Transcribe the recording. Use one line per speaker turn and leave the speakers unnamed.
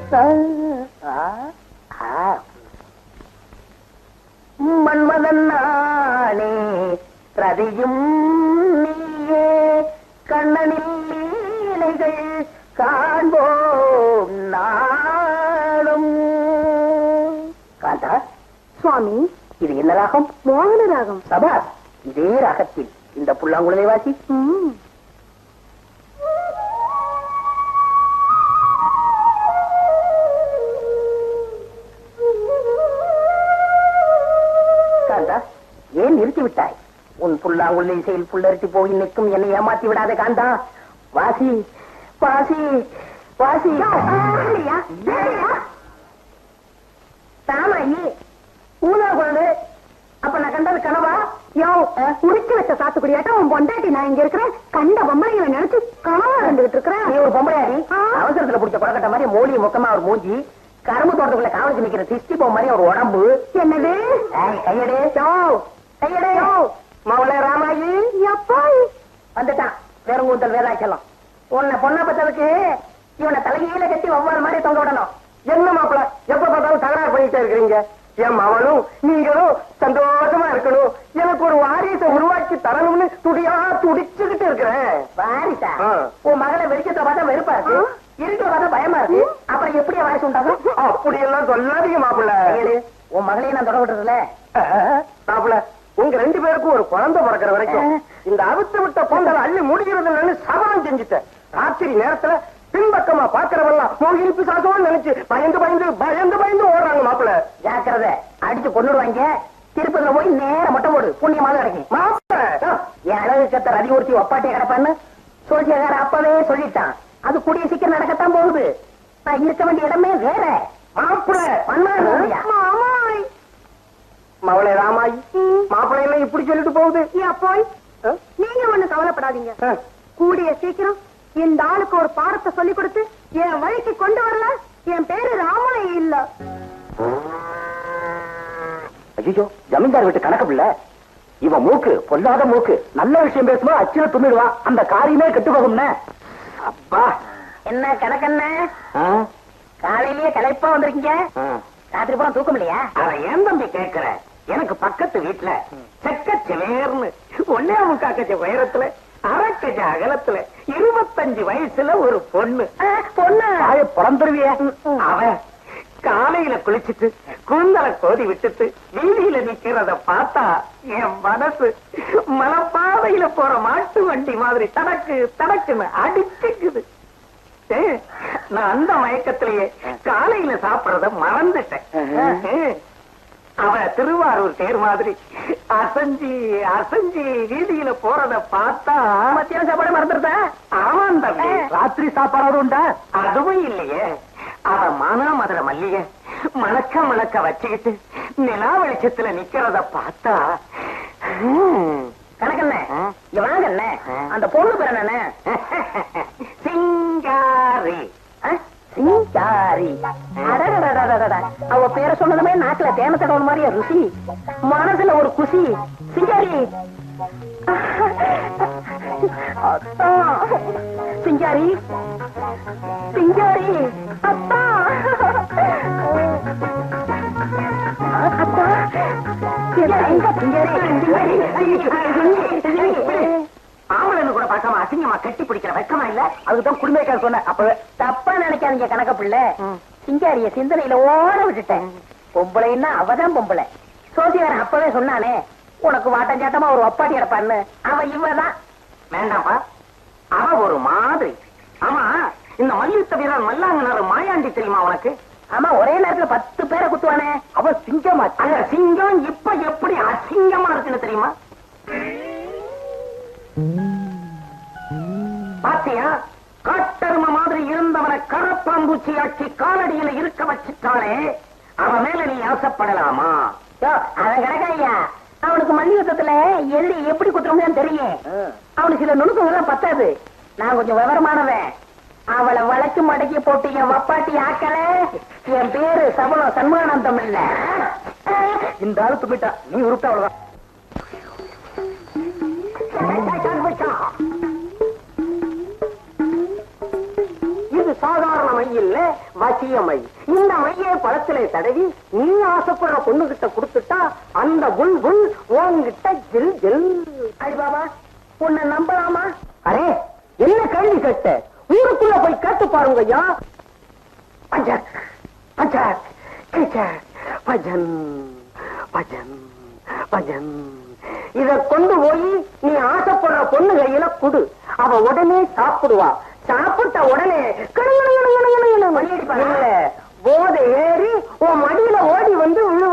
மன்மதன் நானே ரதியும் நீயே கண்ணனில் லீலைகள் காண்போம் நாளும். காந்தா
சுவாமி,
இது என்ன ராகம்?
மோகன ராகம்.
சபாஸ், இதே ராகத்தில் இந்த புல்லாங்குழலை வாசி. காந்தா, ஏன் நிறுத்தி விட்டாய்? உன் புல்லாங்குழலை இசையில் புல்லரித்து போய் நிற்கும் என்னை ஏமாத்தி விடாத காந்தா. வாசி வாசி வாசி. தாமாயி ஊதா குழந்தை. அப்ப நான் கண்டது கனவா?
யோ, உரிச்சு வச்ச சாத்துக்குடியாட்டம் உன் பொண்டாட்டி நான் இங்க இருக்கிறேன். கண்ட பொம்பளைங்களை நினைச்சு கனவா இருந்துகிட்டு இருக்கிறேன்.
நீ ஒரு பொம்பளையாடி, அவசரத்துல பிடிச்ச கொடக்கட்ட மாதிரி மோலி முக்கமா ஒரு மூஞ்சி, கரும்பு தோட்டத்துக்குள்ள காவலிச்சு நிக்கிற திஷ்டி போ மாதிரி ஒரு உடம்பு.
என்னது?
கையடே கையடே. மவளே ராமாயி
எப்பா
வந்துட்டான். வேறங்கூந்தல் வேதாச்சலம். உன்னை பொண்ணா பத்ததுக்கு இவனை தலைகீழ கட்டி ஒவ்வொரு மாதிரி தொங்க விடணும்.
என்ன மாப்பிள, எப்ப பார்த்தாலும் தகராறு பண்ணிட்டே இருக்கிறீங்க? என் மவனும் நீங்களும் சந்தோஷமா இருக்கணும், எனக்கு ஒரு வாரிசை உருவாக்கி தரணும்னு துடியா துடிச்சுக்கிட்டு இருக்கிறேன்.
வாரிசா? உன் மகளை வெளிச்சத்தை பார்த்தா வெறுப்பா இருக்கு, இருக்கிற பார்த்தா பயமா இருக்கு. அப்புறம் எப்படி வாரிசு உண்டாகும்?
அப்படி எல்லாம் சொல்லாதீங்க மாப்பிள்ள.
உன் மகளையும் நான் தொட விட்டுறதுல
மாப்பிள்ள, உங்க ரெண்டு பேருக்கும் ஒரு குழந்தை பிறக்கிற வரைக்கும் இந்த அவுத்து விட்ட பொங்கல் அள்ளி முடிகிறது சபலம் செஞ்சுட்டேன். ராத்திரி நேரத்துல பின்பக்கமா பாக்குறவெல்லாம் மோகினி பிசாசோன்னு நினைச்சு பயந்து பயந்து பயந்து பயந்து ஓடுறாங்க மாப்பிள்ள.
ஜாக்கிரதை, அடிச்சு கொண்டுடுவாங்க. திருப்பதில போய் நேரம் மொட்டை போடு, புண்ணியமாக கிடைக்கும்.
மாப்பிள்ள,
என் அழகு கத்தர் அதிகூர்த்தி ஒப்பாட்டிய கிடப்பான்னு சோசியக்கார அப்பவே சொல்லிட்டான். அது கூடிய சீக்கிரம் நடக்கத்தான் போகுது. நான் இருக்க வேண்டிய இடமே வேற.
மாப்பிள்ள
மாமாய்
மவளே ராமாயி, மாப்பிள்ளை எல்லாம் இப்படி சொல்லிட்டு போகுது.
போய் நீங்க ஒண்ணு கவலைப்படாதீங்க. கூடிய சீக்கிரம் இந்த ஆளுக்கு ஒரு பாடத்தை சொல்லி கொடுத்து என் வழிக்கு கொண்டு வரல. என் பேரு ராமாய் இல்ல.
ஐயோ, ஜமீன்தார் வீட்டு கணக்கு பிள்ளை. இவன் மூக்கு பொல்லாத மூக்கு. நல்ல விஷயம் பேசுமா அச்சுல துண்ணிடுவான். அந்த காரியமே கெட்டு போகும்னே. அப்பா, என்ன கணக்கண்ண காலையிலேயே களைப்பா வந்திருக்கீங்க? ராத்திரி பூரா தூக்கம் இல்லையா?
அத ஏன் தம்பி கேட்கிற? எனக்கு பக்கத்து வீட்டுல செக்கச்சவேர்னு ஒன்னே முக்காக்கச்ச உயரத்துல அரக்கஜ அகலத்துல 25 வயசுல ஒரு பொண்ணு
பிறந்துருவிய.
அவன் காலையில குளிச்சுட்டு கூந்தலை கோதி விட்டுட்டு வீதியில நிக்கிறத பார்த்தா என் மனசு மலைப்பாதையில போற மாட்டு வண்டி மாதிரி தடக்கு தடக்குன்னு அடிச்சுக்குது. நான் அந்த மயக்கத்திலேயே காலையில சாப்பிடறத மறந்துட்டேன். அவ திருவாரூர் தேர் மாதிரி அசஞ்சி அசஞ்சி வீதியில போறத பார்த்தா
மத்தியான சாப்பாடு மறந்துருத.
ஆமாம் தம்பி,
ராத்திரி சாப்பாடு உண்டா?
அதுவும் இல்லையே. அவ மானாமதுரை மல்லிய மணக்க மணக்க வச்சுக்கிட்டு நிலா வெளிச்சத்துல நிக்கிறத பார்த்தா
கணக்கண்ண இவனாங்கண்ண அந்த பொண்ணு பேர் என்ன?
சிங்காரி.
சிங்காரி. அவ பேரை சொன்னதுமே நாக்குல தேன தடவை மாதிரியா ருசி, மனசுல ஒரு குசி. சிங்காரி சிங்காரி சிங்காரி. அப்பா அப்பா
ஆம்பளை கூட பார்க்காம அசிங்கமா கட்டி பிடிக்கிற வெக்கமா இல்ல? அதுதான் குடும்பக்கார சொன்ன. அப்பவே
தப்பா நினைக்காதீங்க கணக்க பிள்ளை. சிங்காரிய சிந்தனையில ஓட விட்டுட்டேன். பொம்பளைன்னா அவதான் பொம்பளை. சோசியாரன் அப்பவே சொன்னானே உனக்கு வாட்டஞ்சாட்டமா ஒரு ஒப்பாட்டி கிடப்பான்னு. அவ இவதான்.
வேண்டாம்ப்பா, அவ ஒரு மாதிரி. ஆமா, இந்த மல்யுத்த வீரர் மல்லாங்கனாரு மாயாண்டி தெரியுமா உனக்கு?
ஆமா, ஒரே நேரத்துல 10 பேரை குத்துவானே.
அவ சிங்கமா? அந்த சிங்கம் இப்ப எப்படி அசிங்கமா இருக்குன்னு தெரியுமா? பாத்தியா, காட்டரும மாதிரி இருந்தவனை கரப்பாம்பூச்சி ஆட்சி காலடியில இருக்க வச்சுட்டாலே, அவன் மேல நீ ஆசைப்படலாமா?
அவன் கிடக்காய்யா, அவனுக்கு மல்யுத்தத்துல எதிரி எப்படி குத்துறோம்னு தெரியும். அவனுக்கு சில நுணுக்கங்கள்லாம் பத்தாது. நான் கொஞ்சம் விவரமானவன். அவளை வளைச்சு மடக்கி போட்டு என் வப்பாட்டி ஆக்கல. என் பேரு சபலம் சண்முகானந்தம் இல்ல.
இந்த ஆளு துப்பிட்டா, நீ உருட்ட அவ்வளவுதான். இது சாதாரண மை இல்ல, வசிய மை. இந்த மையை பழத்திலே தடவி நீ ஆசைப்படுற பொண்ணுகிட்ட கொடுத்துட்டா அந்த புல் புல் உன்கிட்ட ஜில் ஜில்.
ஐ பாபா, உன்னை நம்பலாமா?
அரே, என்ன கேள்வி கேட்ட? ஊருக்குள்ள போய் கேட்டு பாருங்க ஐயா. பஜக் பஜக் கிச்சக் பஜன் பஜன் பஜன். இத கொண்டு போய் நீ ஆசைப்படுற பொண்ணு கையில குடு. அவ உடனே சாப்பிடுவா. சாப்பிட்ட உடனே போதை ஏறி உன் மடியில ஓடி வந்து விழு.